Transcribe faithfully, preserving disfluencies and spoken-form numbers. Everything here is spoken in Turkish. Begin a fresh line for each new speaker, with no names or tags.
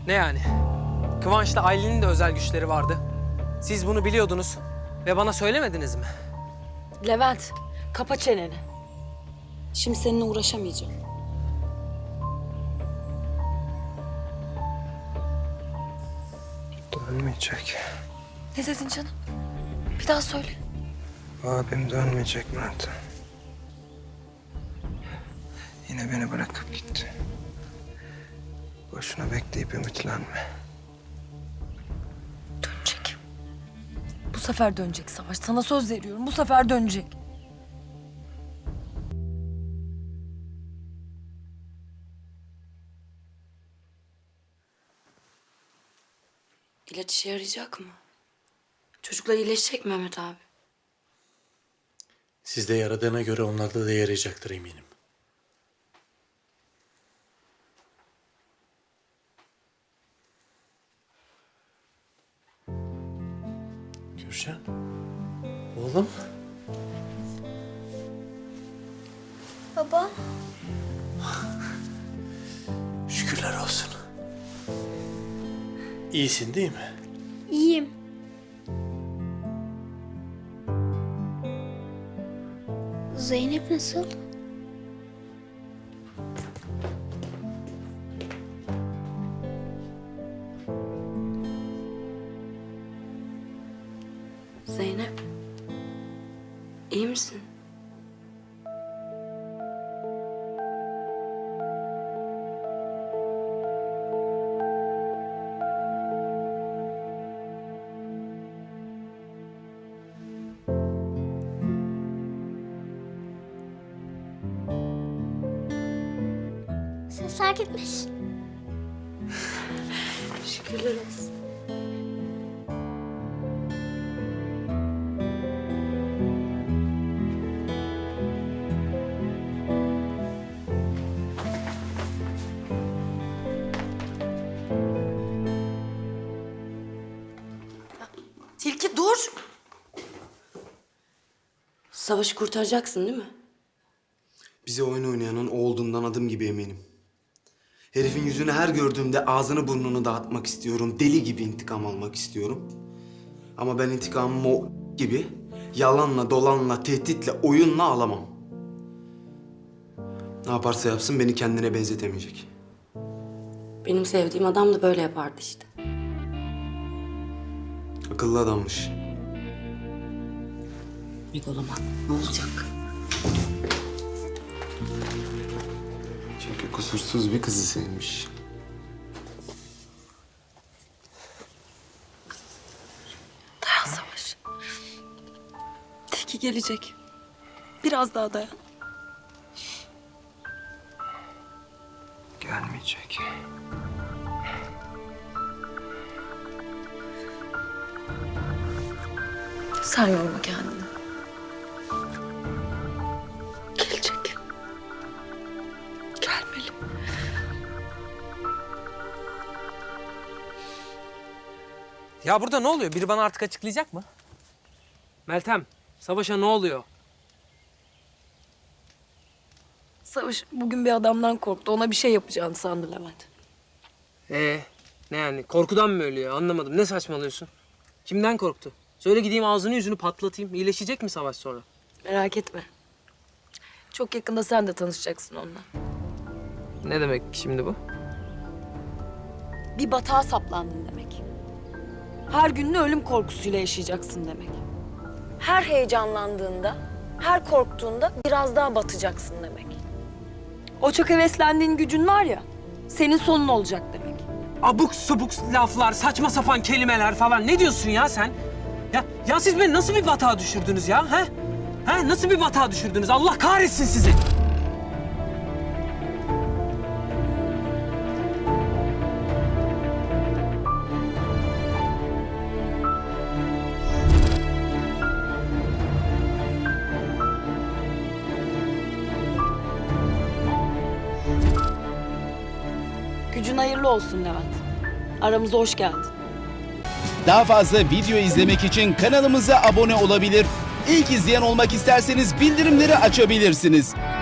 Ne yani? Kıvanç'la Aylin'in de özel güçleri vardı. Siz bunu biliyordunuz ve bana söylemediniz mi?
Levent, kapa çeneni. Şimdi seninle uğraşamayacağım.
Dönmeyecek.
Ne dedin canım? Bir daha söyle.
Abim dönmeyecek Mert. Yine beni bırakıp gitti. Boşuna bekleyip ümitlenme.
Dönecek. Bu sefer dönecek Savaş. Sana söz veriyorum. Bu sefer dönecek. İlaç işe yarayacak mı? Çocuklar iyileşecek mi Mehmet abi?
Sizde yaradığına göre onlarda da yarayacaktır eminim. Gülşen, oğlum.
Baba.
Şükürler olsun. İyisin değil mi?
İyiyim. Zeynep nasıl?
Zeynep. İyi misin?
Sesler gitmiş.
Şükürler olsun. Tilki dur. Savaşı kurtaracaksın değil mi?
Bize oyun oynayanın o olduğundan adım gibi eminim. Herifin yüzünü her gördüğümde ağzını burnunu dağıtmak istiyorum. Deli gibi intikam almak istiyorum. Ama ben intikamımı o gibi yalanla, dolanla, tehditle, oyunla alamam. Ne yaparsa yapsın beni kendine benzetemeyecek.
Benim sevdiğim adam da böyle yapardı işte.
Akıllı adammış.
Megaloman ne olacak?
Çünkü kusursuz bir kızı sevmiş.
Dayan Savaş. Tilki gelecek. Biraz daha dayan.
Gelmeyecek.
Sen yorma kendini. Gelecek. Gelmeli.
Ya burada ne oluyor? Biri bana artık açıklayacak mı? Meltem, Savaş'a ne oluyor?
Savaş bugün bir adamdan korktu. Ona bir şey yapacağını sandı Levent.
Ee, ne yani? Korkudan mı ölüyor? Anlamadım. Ne saçmalıyorsun? Kimden korktu? Söyle gideyim ağzını yüzünü patlatayım. İyileşecek mi Savaş sonra?
Merak etme. Çok yakında sen de tanışacaksın onunla.
Ne demek şimdi bu?
Bir batağa saplandın demek. Her gününü ölüm korkusuyla yaşayacaksın demek. Her heyecanlandığında, her korktuğunda biraz daha batacaksın demek. O çok heveslendiğin gücün var ya, senin sonun olacak demek.
Abuk subuk laflar, saçma sapan kelimeler falan. Ne diyorsun ya sen? Ya, ya siz beni nasıl bir batağa düşürdünüz ya? He? He? Nasıl bir batağa düşürdünüz? Allah kahretsin sizi.
Gücün hayırlı olsun Levent. Aramıza hoş geldin.
Daha fazla video izlemek için kanalımıza abone olabilir. İlk izleyen olmak isterseniz bildirimleri açabilirsiniz.